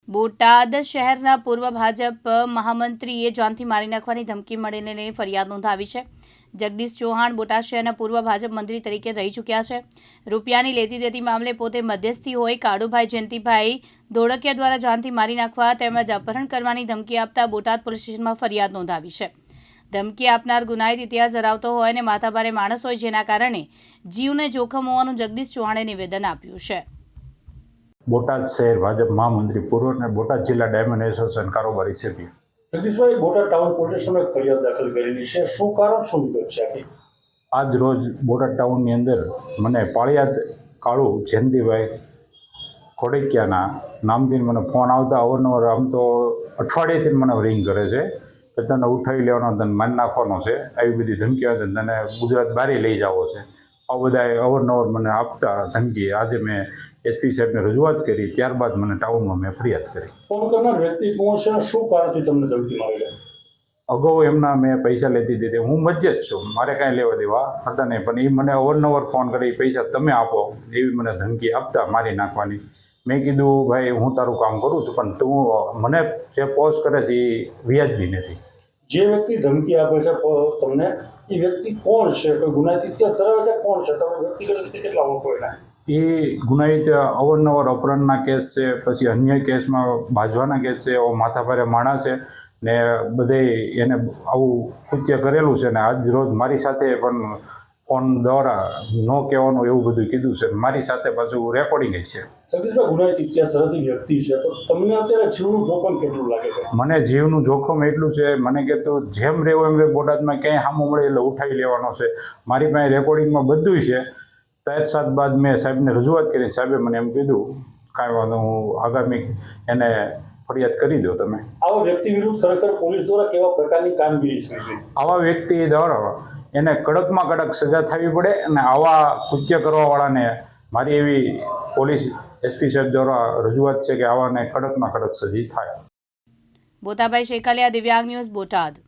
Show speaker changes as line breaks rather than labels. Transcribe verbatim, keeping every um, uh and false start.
બોટાદ શહેરના પૂર્વ ભાજપ મહામંત્રીએ જાનથી મારી નાખવાની ધમકી મળીને લઈને ફરિયાદ નોંધાવી છે। જગદીશ ચૌહાણ બોટાદ શહેરના પૂર્વ ભાજપ મંત્રી તરીકે રહી ચૂક્યા છે। રૂપિયાની લેતી દેતી મામલે પોતે મધ્યસ્થી હોય કાળુભાઈ જયંતિભાઈ ધોળકિયા દ્વારા જાનથી મારી નાખવા તેમજ અપહરણ કરવાની ધમકી આપતા બોટાદ પોલીસ સ્ટેશનમાં ફરિયાદ નોંધાવી છે। ધમકી આપનાર ગુનાહિત ઇતિહાસ ધરાવતો હોય અને માથાભારે માણસ હોય, જેના કારણે જીવને જોખમ હોવાનું જગદીશ ચૌહાણે નિવેદન આપ્યું છે।
બોટાદ શહેર ભાજપ મહામંત્રી પૂર્વ અને બોટાદ જિલ્લા ડાયમંડ એસોસિએશન કારોબારી સભ્ય।
જગદીશભાઈ, બોટાદ ટાઉન પોલીસ સ્ટેશનમાં એક ફરિયાદ દાખલ કરેલી છે, શું કારણ શું વિગત છે આખી?
આજ રોજ બોટાદ ટાઉનની અંદર મને પાળિયાદ કાળુ જયંતિભાઈ ખોડકિયાના નામથી મને ફોન આવતા અવારનવાર, આમ તો અઠવાડિયેથી મને રિંગ કરે છે કે તને ઉઠાવી લેવાનો, તને મારી નાખવાનો છે, આવી બધી ધમકી આવે, તને ગુજરાત બહાર લઈ જવો છે, આ બધા અવારનવાર મને આપતા ધમકી। આજે મેં એસપી સાહેબને રજૂઆત કરી, ત્યારબાદ મને ટાઉનમાં મેં ફરિયાદ કરી।
ફોન કરનાર વ્યક્તિ કોણ છે અને શું કારણથી તમને ધમકી મારી?
અગાઉ એમના મેં પૈસા લેતી દીધી, હું મધ્યસ્થ છું, મારે કાંઈ લેવા દેવા હતા નહીં, પણ એ મને અવારનવાર ફોન કરી પૈસા તમે આપો એવી મને ધમકી આપતા મારી નાખવાની। મેં કીધું ભાઈ હું તારું કામ કરું છું, પણ તું મને જે પોસ્ટ કરે છે એ વ્યાજબી નથી।
જે વ્યક્તિ ધમકી આપે છે તમને, એ વ્યક્તિ કોણ છે? કોઈ ગુનાહિત ઇતિહાસ ધરાવે છે? કોણ છે? તમે વ્યક્તિગત રીતે કેટલા ઓળખો એના?
એ ગુનાહિત અવારનવાર અપહરણના કેસ છે, પછી અન્ય કેસમાં બાજવાના કેસ છે, એવો માથાભારે માણસ છે ને બધે એને આવું કૃત્ય કરેલું છે ને આજ રોજ મારી સાથે પણ ફોન દ્વારા ન કહેવાનું એવું બધું કીધું છે, મારી સાથે પાછું રેકોર્ડિંગ છે।
જગદીશભાઈ, ગુનાહિત ઇતિહાસ ધરાવતી વ્યક્તિ છે, તો તમને અત્યારે જીવનું જોખમ કેટલું લાગે છે?
મને જીવનું જોખમ એટલું છે, મને કે તું જેમ રહેવું એમ રહે, બોટાદમાં ક્યાંય સામું મળે એટલે ઉઠાવી લેવાનો છે। મારી પાસે રેકોર્ડિંગમાં બધું છે। ત્યાર સાત બાદ મેં સાહેબને રજૂઆત કરી, સાહેબે મને એમ કીધું કાંઈ વાંધો, હું આગામી એને ફરિયાદ કરી દો તમે।
આવા વ્યક્તિ વિરુદ્ધ ખરેખર પોલીસ દ્વારા કેવા પ્રકારની કામગીરી થઈ છે?
આવા વ્યક્તિ દ્વારા એને કડકમાં કડક સજા થવી પડે અને આવા કૃત્ય કરવાવાળાને મારી એવી પોલીસ એસપી સાહેબ દ્વારા રજૂઆત છે કે આવાને કડકમાં કડક સજા થાય।
બોતાભાઈ શેખાલિયા, દિવ્યાંગ ન્યૂઝ, બોટાદ।